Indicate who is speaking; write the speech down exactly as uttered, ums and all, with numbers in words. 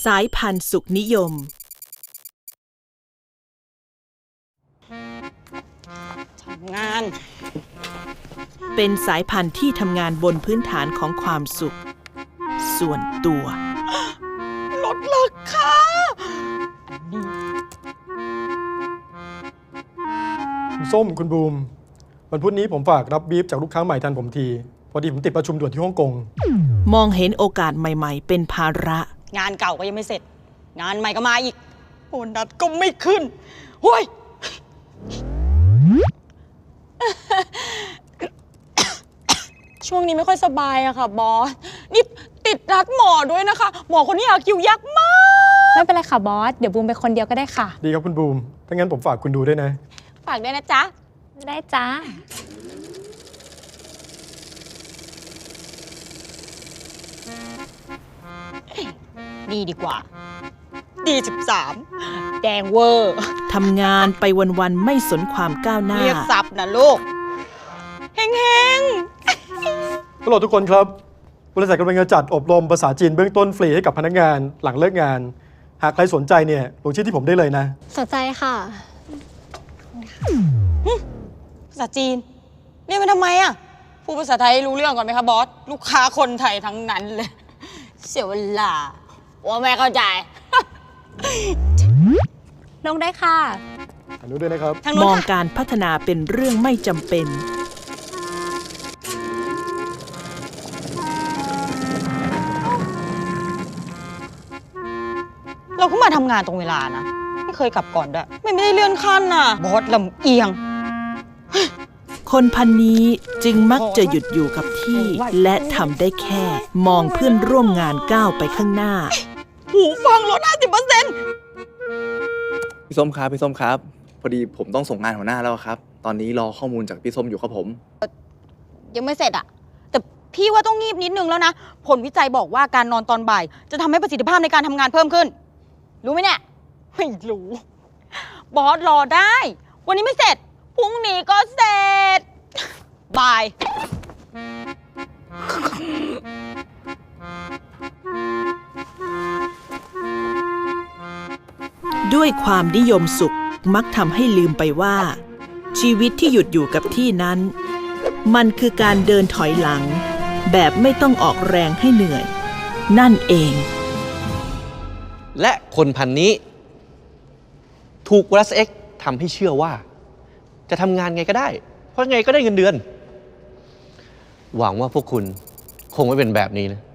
Speaker 1: สายพันธุ์สุขนิยม
Speaker 2: ทำงาน
Speaker 1: เป็นสายพันธุ์ที่ทำงานบนพื้นฐานของความสุขส่วนตัว
Speaker 2: ลดราคา
Speaker 3: คุณส้มคุณบูมวันพุธนี้ผมฝากรับบีฟจากลูกค้าใหม่ทันผมทีพอดีผมติดประชุมด่วนที่ฮ่องกง
Speaker 1: มองเห็นโอกาสใหม่ๆเป็นภาระ
Speaker 2: งานเก่าก็ยังไม่เสร็จงานใหม่ก็มาอีกโบนัสก็ไม่ขึ้นโว้ยช่วงนี้ไม่ค่อยสบายอะค่ะบอสนี่ติดนัดหมอด้วยนะคะหมอคนนี้หาคิวยากมาก
Speaker 4: ไม่เป็นไรค่ะบอสเดี๋ยวบูมไปคนเดียวก็ได้ค่ะ
Speaker 3: ดีครับคุณบูมถ้างั้นผมฝากคุณดูด้วยนะ
Speaker 2: ฝากด้วยนะจ๊ะ
Speaker 4: ได้จ้า
Speaker 2: ดีดีกว่าดีสิบสามแดงเวอร์
Speaker 1: ทำงานไปวันๆไม่สนความก้าวหน้า
Speaker 2: เรียกซับนะลูกเฮงเฮง
Speaker 3: ฮัลโหลทุกคนครับบริษัทกำลังจะจัดอบรมภาษาจีนเบื้องต้นฟรีให้กับพนักงานหลังเลิกงานหากใครสนใจเนี่ยลงชื่อที่ผมได้เลยนะ
Speaker 4: สนใจค่ะ
Speaker 2: ภาษาจีนเรียนมาทำไมอ่ะพูดภาษาไทยรู้เรื่องก่อนไหมคะบอสลูกค้าคนไทยทั้งนั้นเลยเสียเวลาว่าแม่เข้าใจ
Speaker 4: ลงได้ค่ะ
Speaker 3: อนุด้วยนะครับ
Speaker 1: มองการพัฒนาเป็นเรื่องไม่จำเป็น
Speaker 2: เราก็มาทำงานตรงเวลานะไม่เคยกลับก่อนด้วยไม่ไม่ได้เลื่อนขั้นน่ะบอสลำเอียง
Speaker 1: คนพันนี้จึงมักจะหยุดอยู่กับที่และทำได้แค่มองเพื่อนร่วมงานก้าวไปข้างหน้า
Speaker 2: หูฟังลด ห้าสิบเปอร์เซ็นต์
Speaker 5: พี่ส้มครับพี่ส้มครับพอดีผมต้องส่งงานหัวหน้าแล้วครับตอนนี้รอข้อมูลจากพี่ส้มอยู่ครับผม
Speaker 2: ยังไม่เสร็จอะแต่พี่ว่าต้องงีบนิดนึงแล้วนะผลวิจัยบอกว่าการนอนตอนบ่ายจะทำให้ประสิทธิภาพในการทำงานเพิ่มขึ้นรู้ไหมเนี่ยไม่รู้บอสรอได้วันนี้ไม่เสร็จพรุ่งนี้ก็เสร็จบาย
Speaker 1: ด้วยความนิยมสุขมักทำให้ลืมไปว่าชีวิตที่หยุดอยู่กับที่นั้นมันคือการเดินถอยหลังแบบไม่ต้องออกแรงให้เหนื่อยนั่นเอง
Speaker 6: และคนพันนี้ถูก Plus X ทำให้เชื่อว่าจะทำงานไงก็ได้เพราะไงก็ได้เงินเดือนหวังว่าพวกคุณคงไม่เป็นแบบนี้นะ